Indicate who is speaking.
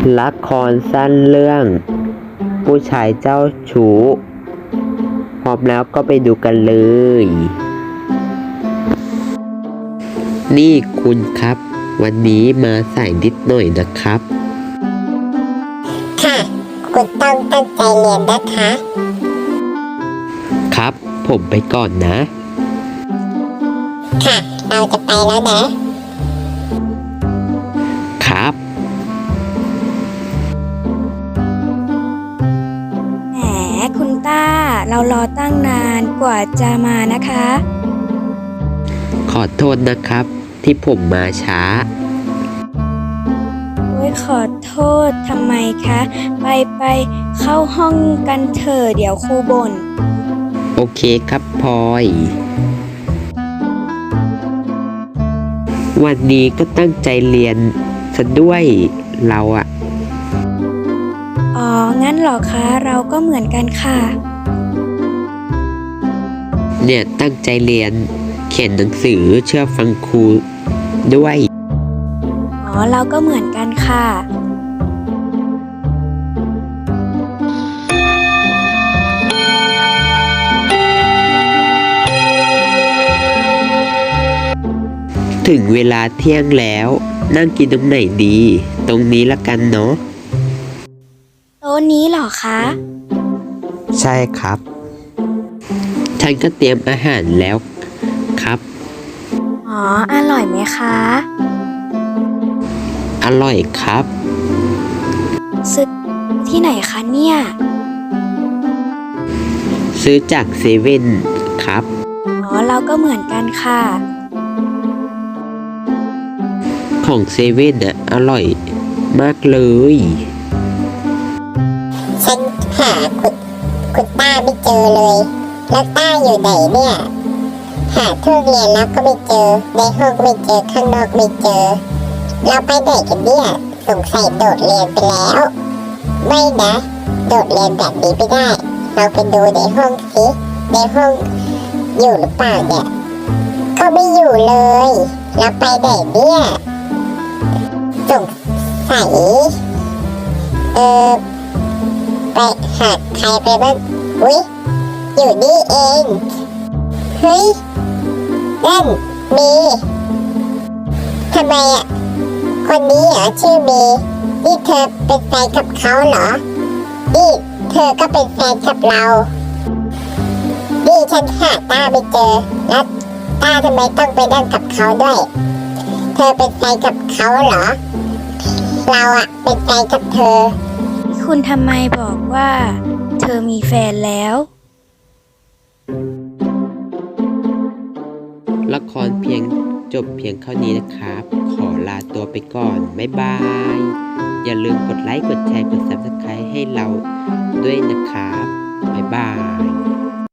Speaker 1: ละครสั้นเรื่องผู้ชายเจ้าชู้พร้อมแล้วก็ไปดูกันเลยนี่คุณครับวันนี้มาสายนิดหน่อยนะครับ
Speaker 2: ค่ะคุณต้องตั้งใจเรียนนะคะ
Speaker 1: ครับผมไปก่อนนะ
Speaker 2: ค่ะเราจะไปแล้ว
Speaker 1: นะครับ
Speaker 3: แหมคุณต้าเรารอตั้งนานกว่าจะมานะคะ
Speaker 1: ขอโทษนะครับที่ผมมาช้า
Speaker 3: โอ้ยขอโทษทำไมคะไปเข้าห้องกันเถอะเดี๋ยวครูบ่น
Speaker 1: โอเคครับพลอยวันนี้ก็ตั้งใจเรียนซะด้วยเราอะ
Speaker 3: อ๋องั้นเหรอคะเราก็เหมือนกันค่ะ
Speaker 1: เนี่ยตั้งใจเรียนเขียนหนังสือเชื่อฟังครูด้วย
Speaker 3: อ๋อเราก็เหมือนกันค่ะ
Speaker 1: ถึงเวลาเที่ยงแล้วนั่งกินตรงไหนดีตรงนี้ละกันเนาะ
Speaker 3: โต๊ะนี้เหรอคะ
Speaker 1: ใช่ครับฉันก็เตรียมอาหารแล้วครับ
Speaker 3: อ๋ออร่อยไหมคะ
Speaker 1: อร่อยครับ
Speaker 3: ซื้อที่ไหนคะเนี่ย
Speaker 1: ซื้อจากเซเว่นครับ
Speaker 3: อ๋อเราก็เหมือนกันค่ะ
Speaker 1: ของเซเว่นอ่ะอร่อยมากเลย
Speaker 2: ฉันหาคุณต้าไม่เจอเลยแล้วต้าอยู่ไหนเนี่ยหาทั่วเรียนแล้วก็ไม่เจอในห้องไม่เจอข้างนอกไม่เจอเราไปไหนกันเนี่ยสงสัยโดดเรียนไปแล้วไม่นะโดดเรียนแบบนี้ไม่ได้เราไปดูในห้องสิในห้องอยู่หรือเปล่าเนี่ยก็ไม่อยู่เลยเราไปไหนเนี่ยสงสัยไปหาใครไปบ้างอุ๊ยอยู่นี่เองเฮ้ยนั่นมีทำไมอ่ะคนนี้เหรอชื่อมีนี่เธอเป็นแฟนกับเขาเหรอนี่เธอก็เป็นแฟนกับเรานี่ฉันหาต้าไม่เจอแล้วต้าทำไมต้องไปนั่งกับเขาด้วยเธอเป็นแฟนกับเขาเหรอเราอ่ะเป็นแฟนกับเธอ
Speaker 3: คุณทำไมบอกว่าเธอมีแฟนแล้ว
Speaker 1: ละครจบเพียงเท่านี้นะครับขอลาตัวไปก่อนบ๊ายบายอย่าลืมกดไลค์กดแชร์กด Subscribe ให้เราด้วยนะครับบ๊ายบาย